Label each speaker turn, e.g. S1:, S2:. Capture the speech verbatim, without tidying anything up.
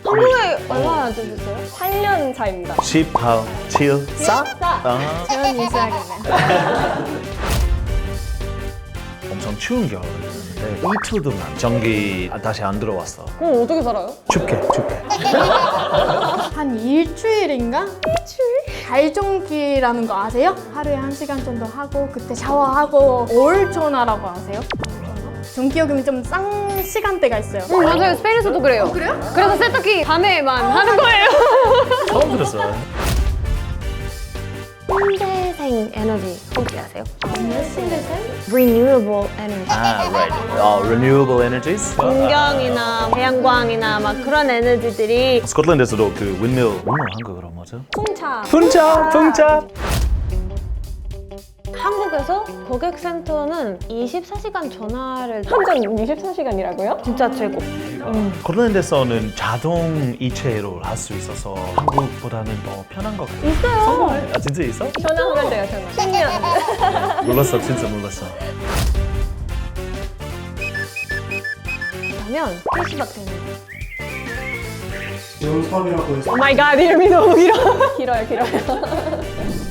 S1: 한국에 얼마나 되셨어요?
S2: 팔 년 차입니다.
S3: 십팔, 칠, 사?
S1: 사.
S3: 아,
S1: 재현 있어야겠네요.
S3: 엄청 추운 겨울이었는데 이틀 동안 전기 다시 안 들어왔어.
S2: 그럼 어떻게 살아요?
S3: 춥게, 춥게.
S4: 한 일주일인가? 일주일? 발전기라는 거 아세요? 하루에 한 시간 정도 하고 그때 샤워하고 올초나라고 아세요? 전기요금이 좀 싼 시간대가 있어요.
S1: 응, 맞아요. 스페인에서도 그래요.
S4: 그래요?
S1: 그래서 세탁기 밤에만 하는 거예요.
S3: 처음 들었어.
S1: 신재생 에너지 혹시 아세요?
S4: 아니요, 신대생?
S1: Renewable Energy.
S3: 아, right. 어, renewable energies?
S1: 풍경이나 태양광이나 막 그런 에너지들이
S3: 스코틀랜드에서도 그 windmill, windmill 한국어로 뭐죠?
S2: 풍차.
S3: 풍차, 풍차.
S1: 한국에서 고객센터는 이십사 시간 전화를
S2: 한전 이십사 시간이라고요?
S1: 진짜 최고.
S3: 스코틀랜드에서는 자동 이체로 할 수 있어서 한국보다는 더 편한 것 같아요.
S1: 있어요.
S3: 아, 진짜 있어?
S2: 전화하면 돼요, 전화. 십 년.
S3: 몰랐어, 진짜 몰랐어.
S1: 그러면 캐시백 되는 거.
S5: 지원 사업이라고 해서
S2: 오 마이 갓, 이름이 너무 길어. 길어요, 길어요.